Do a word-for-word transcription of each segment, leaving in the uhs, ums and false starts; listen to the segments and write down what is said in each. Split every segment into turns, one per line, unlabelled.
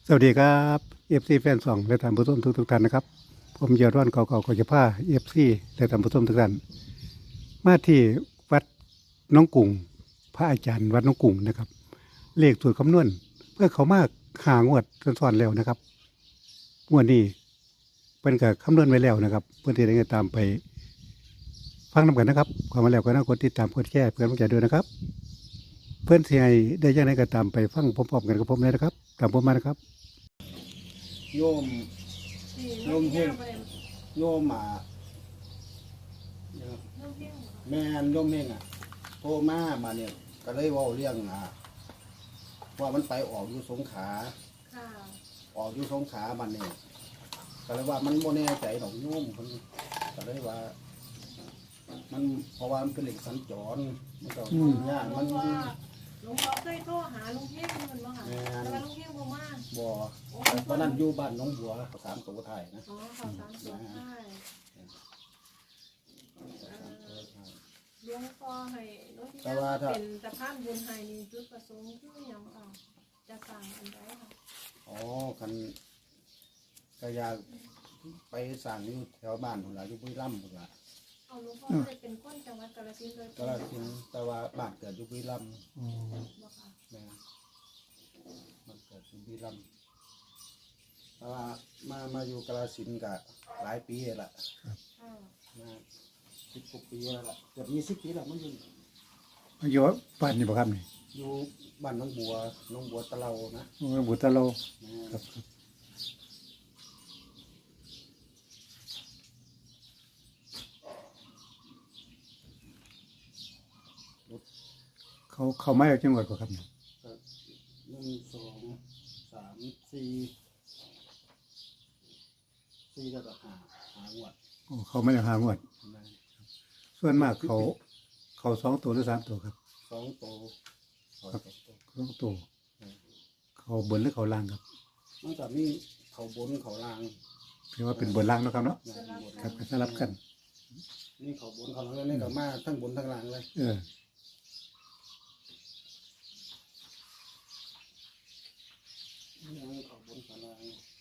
สวัสดีครับเอฟซีแฟนสองและท่านผู้ชมทุกทุกๆท่านนะครับผมยอดร้อนเก่าๆก็จะพาเอฟซีและท่านผู้ชมทุกท่านมาที่วัดน้องกุ่งพระอาจารย์วัดน้องกุ่งนะครับเลขสูตรคำนวณเพื่อเขามากหางวดซ้อนๆแล้วนะครับงวดนี้เป็นกับคำนวณไว้แล้วนะครับเพื่อนที่ได้ตามไปฟังนำกันนะครับความมาแล้วก็น่ากดติดตามกดแชร์เพื่อนผู้ใจด้วยนะครับ เพื่อนที่ให้ได้ยังไงก็ตามไปฟังพร้อมๆกันกับผมเลยนะครับตามผมมานะครับ
โยมโยมเฮงโยมอ่ะแม่นโยมเฮงอ่ะโทรมามาเนี่ยก็เลยเว่าเรื่องอ่ะว่ามันไปออกอยู่สงขลาออกอยู่สงขลามันเนี่ยก็เลยว่ามันโมแน่ใจดอกโยมคนก็เลยว่า มันเพราะว่ามันเป็นเหล็กสัญจรมันก็ยากมัน
หลวงพ่อเคยโทรหาลุงเฮงมันบ่ค่ะแต่ว่าลุงเฮงบ่มา
บ่ตอนนั้นอยู่บ้านน้องบัวสามตัวไทยนะ
อ๋อข่าวสารสดใช่หลวงพ่อให้หลวงพี่เป็นสะพานบุญให้นี่จุดประสงค์คือหยังค่ะจะสั่งอันใดค่ะ
อ๋อคันก็อยากไปสั่งอยู่แถวบ้านพุ่นล่ะอยู่บุรีรัมย์พุ่นล่ะ
เอาหลวงพ่อได้เป็นคนจังหวัดกาฬสินธุ์โดยต
กาฬสินธุ์แต่ว่าบ้านเกิดอยู่บุรีรัมย์
บ่ค่ะ
แม่บ้านเกิดอยู่บุรีรัมย์แต่ว่ามามาอยู่กาฬสินธุ์ก็หลายปีแล้วล่ะ
ค่ะ
มาสิบกว่าปีแล้วล่ะเกือบยี่สิบปีแล้วมันอยู่
อยู่บ้านนี่บ่ครับนี่
อยู่บ้านน้องบัวน้องบัวตะเลานะ
โอ้บุตรเรา
แม่
ครับเขาเขาไม่เอาจังหวัดกว่าครับนี่
ก็หนึ่งสองสามสี่สี่แล้วก็ห้าห้างวด
โอ้เขาไม่ได้หางวด
แม่
ส่วนมากเขาเขาสองตัวหรือสามตัวครับ
สองโตสองโต
สองตัวเขาบนหรือเขาล่างครับ
มันก็มีเขาบนเขาล่าง
ถือว่าเป็นบนล่างเนาะครับเนาะ
นะบน
ครับก็สลับกัน
นี่เขาบนเขาล่างนี่ก็มาทั้งบนทั้งล่างเลย
เออ
นี่เขาบนเขาล่าง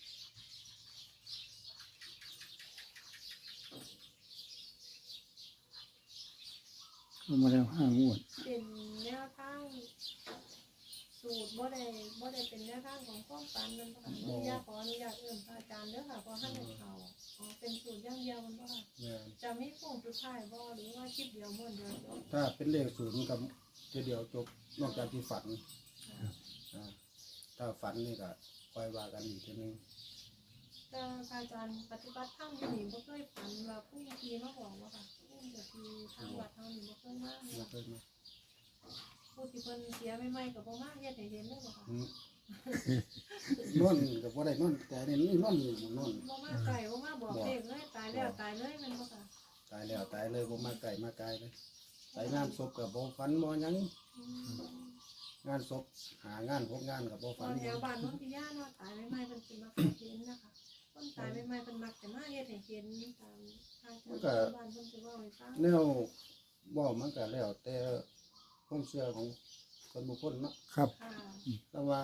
เขามาแล้วห้างวด
เป็นแนวทางสูตรบ่ได้บ่ได้เป็นแนวทางของความฝันนั่นบ่ค่ะอนุญาตขออนุญาตเอิ่มพระอาจารย์เด้อค่ะเพราะท่านได้เข้าอ๋อเป็นสูตรอย่างเดียวมันบ่ค่ะ
แม่
จะมีโค้งสุดท้ายบ่หรือว่าคลิปเดียวม้วนเดียวจบ
ถ้าเป็นเลขศูนย์กับทีเดียวจบนอกจากที่ฝันอ่าถ้าฝันนี่ก็คอยว่ากันอีกทีนึง
แต่พระอาจารย์ปฏิบัติธรรมอยู่นี่บ่เคยฝันว่าผู้ทีมาบอกว่าค่ะผู้ทีทางวัดเฮานี่บ่เคยมา
มาเคยมา
ผู้ที่เพิ่นเสียใหม่ๆก็บ่มาเฮ็ดให้เห็นเลยบ่ค่ะ
อืมนอนกับว่าได้นอนแต่เนี่ยนี่นอนอยู่นอน
บ่มาไกลบ่มาบอกเลขเลยตายแล้วตายเลยแม่นบ่ค่ะ
ตายแล้วตายเลยบ่มาไก่มาไกลเลยไปงานศพกับบ่ฝันบ่หยัง
อืม
งานศพหางานพบงานกับบ่
ต
ฝั
อน นแถวบ้านน้องพิยาเนาะตายใหม่ๆเพิ่นสิมาเห็นนะคะคนตายใหม่ๆเพิ่นมักจะมาเฮ็ดให้เห็นตามทางชาวบ้านเพิ่นสิเว้าให้ฟัง
แนวบ่มันก็แล้วแต่ความเชื่อของคนบุคคลเนาะ
ครับ
ค่ะ
แต่ว่า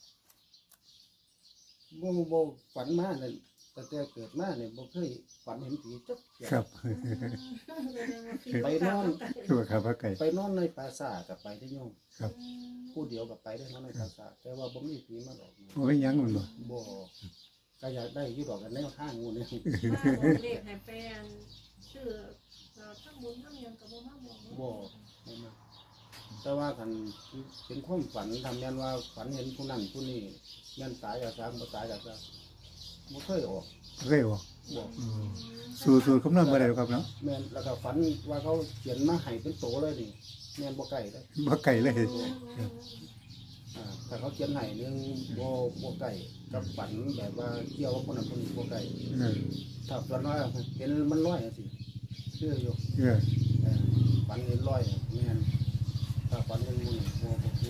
บ่บ่ฝันมาเนี่ยแต่แต่เกิดมาเนี่ยบ่เคยฝันเห็นผีจักเที่ย
ครับ
ไปนอน
คือว่าครับว่าไก่
ไปนอนในปราสาทกับไปได้โยม
ครับ
ผู้เดียวกับไปได้นอนในปราสาทแต่ว่าบ่มีผีมาหลอกนะ
โอ้ยยังมันบ่
บ่ก็อยากได้อยู่ดอกกันแนวทางงูนี่
มาบอกเลขให้แฟนชื่อเราทั้งบุญทั้งหยังก็บ่มาบอกเนาะ
บ่บ่มาแต่ว่าคันเป็นความฝันทำแม่นว่าฝันเห็นผู้นั้นผู้นี้แม่นตายก็ตามบ่ตายก็ตามบ่เคยออก
เร็วบ่
บ่
อืมสูตรสูตรคำนวณบ่ได้หรอกครับเนาะ
แม่นแล้วก็ฝันว่าเขาเขียนมาให้เป็นโตเลยนี่แม่นบ่ไกลเลย
บ่ไก่เลย
อ่าถ้าเขาเขียนให้เรื่องบ่บ่ไกลกับฝันแบบว่าเกี่ยวกับคนนั้นคนนี้บ่ไกล
เออ
ถ้าฝันว่าเห็นมันลอยจังซี่เชื่ออยู่
เออ
เออฝันเห็นลอยแม่นถ้าฝันเห็นมันบ่บ่คือ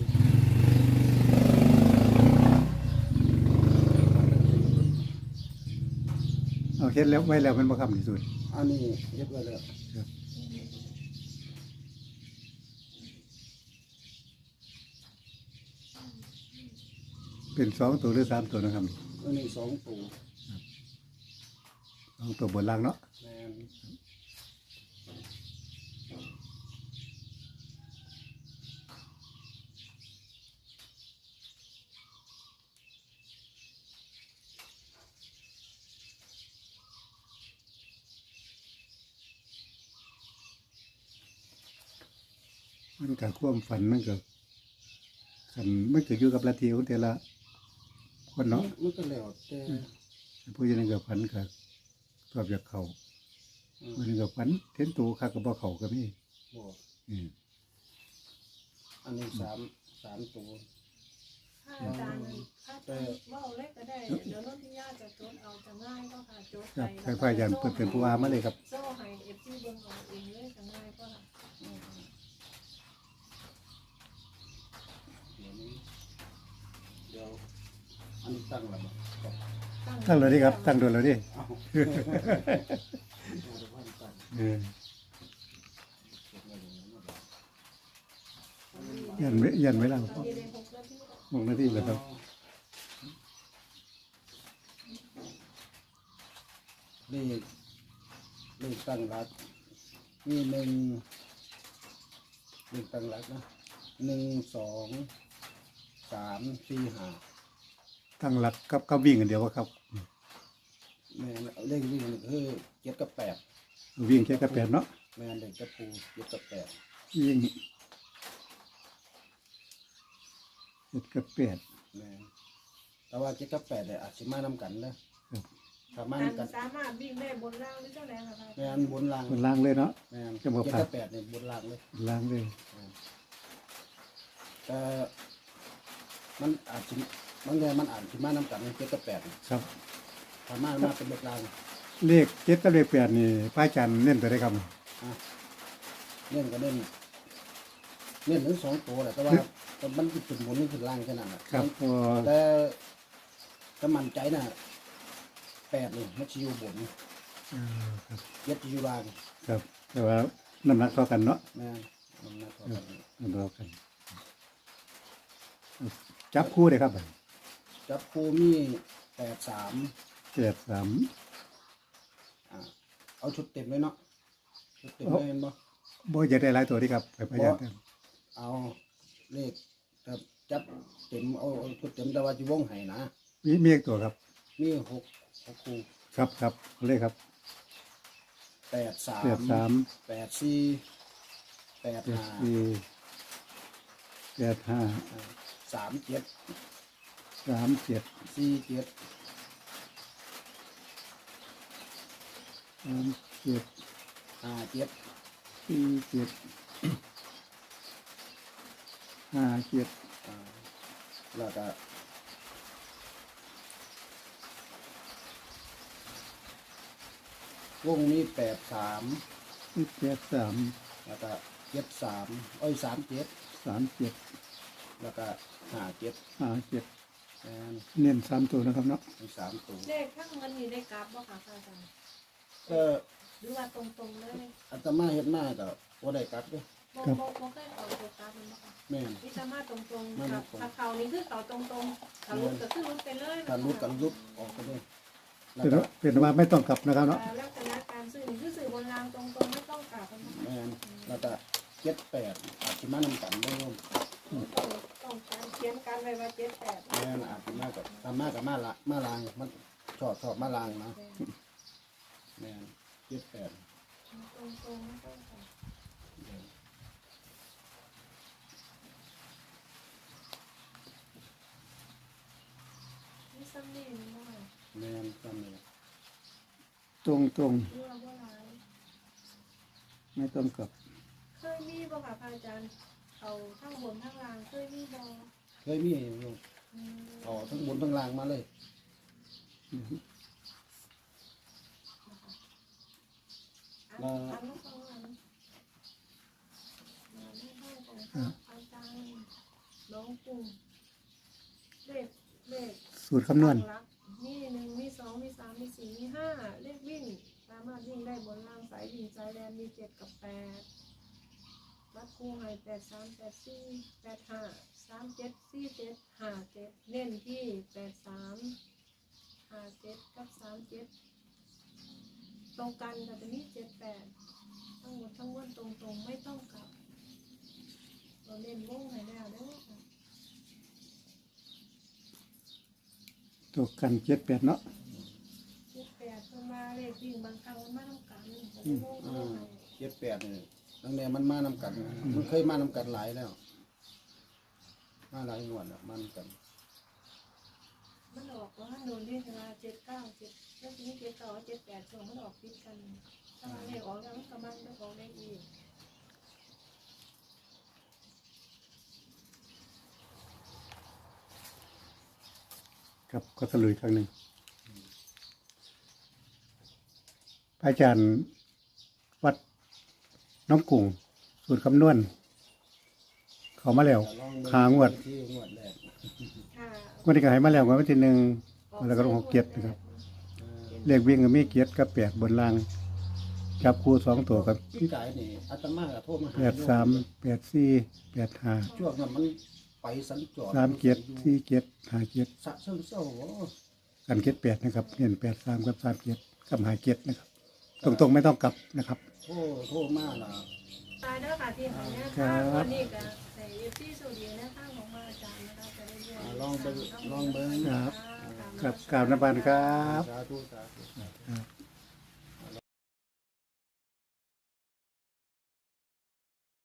เอาเฮ็ดแล้วไว้แล้วมันบ่ครับนี่สูตร
อันนี้เรียบร้อยแล้ว
ครับเป็นสองตัวหรือสามตัวนะครับ
อันนี้สองตัว
สองตัวบนล่างเนาะ
แม่น
มันกับความฝันมันกับขันมันก็อยู่กับละทีของแต่ละคนเนาะ
มันก็แล้วแต่
ผู้ยังกับฝันกับชอบอยากเขา
อืม
ผู้ยังกับฝันเห็นตัวข้ากับบ่เขาก็มี
บอก
อืม
อันนี้สามสามตัว
ถ้าอาจารย์ถ้าอาจารย์ว่าเอาเล็กก็ได้เดี๋ยวโน้นที่ญาติจะจดเอาจะง่ายก็ค่ะจด
ครับ
ไป
ใครพายันเปิดเป็นผู้ว่ามาเลยครับ
โซ่ให้เอฟซีเบิ่งเอาเองเลยจะง่ายก็ค่ะ
อืมเดี๋ยวนี้เดี๋ยวอันนี้ตั้งระบบก่อน
ตั้งเลยดิครับ ตั้งโดนเลยดิ
เอาเอาดูว่าตั้ง
เออ
เก็บไว้ตรงนั้นนะ
ยันไว้ยันไว้แล้ว
ตอนนี้ได้หกนาทีแล้ว
มองหน้าที่เลยครับ
เลขเลขตั้งรักมีหนึ่งเลขตั้งรักนะหนึ่งสองสามสี่ห้า
ตั้งหลักกับกับวิ่งกันเดียวว่าครับ
แม่นเลขวิ่งนี่คือเจ็ดกับแปด
วิ่งแค่กระแปดเนาะ
แม่นเลขกระปูเจ็ดกับแปด
วิ่งเจ็ดกระแปด
แม่นแต่ว่าเจ็ดกับแปดเนี่ยอาจจะมานำกันนะครับ ถ้ามา
การ
นำกัน
สามารถวิ่งได้บนล่างหรือเจ้าแรงค่ะ
แม่นบนล่าง
บนล่างเลยเนาะ
แม่น
จะบอก
เจ็ด
ผ่าน
กับแปดเนี่ยบนล่างเลย
บนล่างเลย
แต่มันอาจจะบางอย่างมันอาจจะมานำกันเจ็ดกับแปดเนี่ย
ครับ
ถ้ามามาเป็นเลขล่าง
เลขเจ็ดกับเลขแปดนี่พระอาจารย์เน้นไปได้ครับ
อ่ะเล่นก็เล่นเล่นถึงสองตัวแหละแต่ว่าแต่มันคือจุดบนนี่คือล่างแค่นั้นแหละ
ครับพอ
แต่ถ้ามั่นใจน่ะแปดนี่มันจะอยู่บน
เออครับ
เย็ดจะอยู่ล่าง
ครับ แต่ว่าน้ำหนักเท่ากันเนาะ
แม่นมันน่าเท่ากัน
น้ำหนักเท่ากัน จับคู่เลยครับ
จับคูมีแปดสาม
แปดสาม
อ่าเอาชุดเต็มเลยเนาะชุดเต็มเลยเห็นบ่
บ่จะได้หลายตัวดีครับไปพยายาม
เอาเลขครับจับเต็มเอาเอาชุดเต็มแต่ว่าจะวงไห้นะ
มีมีอีกตัวครับ
มีหกหกคู
ครับครับเลขครับ
แปดสาม
แปดสาม
แปดสี่แปด
แปด
ห้า
สี่แปดห้า
อ่าสามเจ็ด
สามเจ็ด
สี่เจ็ด
สามเจ็ด
ห้าเจ็ด
สี่เจ็ดห้าเจ็ด
อ่าแล้วก็วงนี้แปดสาม
สิบแปดสาม
แล้วก็เจ็ดสามเอ้ยสามเจ็ด
สามเจ็ด
แล้วก็ห้าเจ็ด
ห้าเจ็ด
แอน
เน้นสามตัวนะครับเนาะ
มีสามตัว
เลขข้างมันมีได้กราฟบ่ค่ะอาจารย์
ก็
หรือว่าตรงๆเลย
อาตมาเฮ็ดมาก็บ่ได้กลับเด้อ
บ่บ่บ่เคยเอาตัวกราฟมันบ่ค่ะ
แม่น
วิสามารถตรง
ไม่
ๆ
ไม่
กับ
ตรง
ถ้าเขานี่คือเขาตรงๆถ้ารุดก็คือรุดไปเลย
ถ้ารุดกันรุดออกไปเลยแล้ว
เป็น
ก็
ว่าเป็นว่าไม่ต้องกลับนะครับเนาะ
แต่ลักษณะการซื้อนี่คือซื้อบนรางตรงๆไม่ต้องกราฟมันบ่
แม่นแล้วก็เจ็ดแปดอาจสิมานำกันบ่โยม
ต้องต้องการเขียนกันไว้ว่าเจ็ดแปด
แม่นอาจสิมากับตามมากับมาละมาลางมันชอบชอบมาลางนะแม่นเจ็ดแปด
ตรงๆไม่ต้องกราฟนี่ซ้ำนี่มันบ่ค่ะ
แม่นซ้ำนี่
ตรงตรง
เรือบ่หลาย
ๆไม่ต้องกลับ
เคยมีบ่ค่ะพระอาจารย์เขาทั้งบนทั้งล่างเคยมีบ่
เคยมีอยู่
อืม
เอาทั้งบนทั้งล่างมาเลย
อ่ะอ่านลูกฟังหน่อยนะมาให้ให้ของพระอาจารย์น้องกลุ่มเลขเลข
สูตรคำนวณ
หลักมีหนึ่งมีสองมีสามมีสี่มีห้าเลขวิ่งสามารถวิ่งได้บนล่างสายวิ่งสายแดนมีเจ็ดกับแปดวัดคู่ให้แปดสามแปดสี่แปดห้าสามเจ็ดสี่เจ็ดห้าเจ็ดเน้นที่แปดสามห้าเจ็ดกับสามเจ็ดตรงกันแต่จะมีเจ็ดแปดทั้งหมดทั้งมวลตรงๆไม่ต้องกลับเราเน้นวงให้แล้วเด้อค่ะ
ตัวกันเจ็ดแปดเนาะ
เจ็ดแปดเพิ่นมาเลขวิ่งบางครั้งมันมาทำกันแต่ไม่วง
อ่
เท่าไห
า
ร่
เจ็ดแปดนี่ตั้งแต่มันมานำกัน มันเคยมานำกันหลายแล้ว มาหลายงวดแล้วมานำกัน
มันออกว่าโดนเรียกว่าเจ็ดเก้าเจ็ดแล้วทีนี้เจ็ดเก้าเจ็ดแปดช่วงมันออกติดกันถ้ามันเลขออกแล้วมันก็มันไม่ออกได้อีก
ครับก็สรุปอีกครั้งหนึ่งพระอาจารย์วัดน้องกุ้งสูตรคำนวณ เขามาแล้ว
ลองเบิ่
หางวด
ที่งวดแรก
ค่ะ
งวดนี้ก็ให้มาแล้วงวดวันที่หนึ่งแล้วก็ลงหกเกียรตินะครับ
อ่า
เลขวิ่งก็มีเกียรติกับแปดบนล่าง จับคู่สองตัวกับ
พี่กายนี่อาตมาก็โทรมาหา
แปดสามแปดสี่แปดห้า
ช่วงนั้นมันไปสัญจร
สามเกียรติสี่เกียรติห้าเกียรติ
สะเชิงเศร้าโอ้
กันเกียรติแปดนะครับเน้นแปดสามกับสามเกียรติกับห้าเกียรตินะครับ ตรงๆไม่ต้องกลับนะครับ
โทรโทรมาล่ะ
ตายเด้อค่ะที่หายเนี่ย
ครั
ค่ะ
บ
วันนี้ก็ใส่ที่สูดีนะข้างของมาอาจารย์นะคะจะได้เรียน
อ่าลองเบิ่งลองเบิ่ง
ครับ ครับกราบนมัสการครับ
สาธุสาธุ
ครับ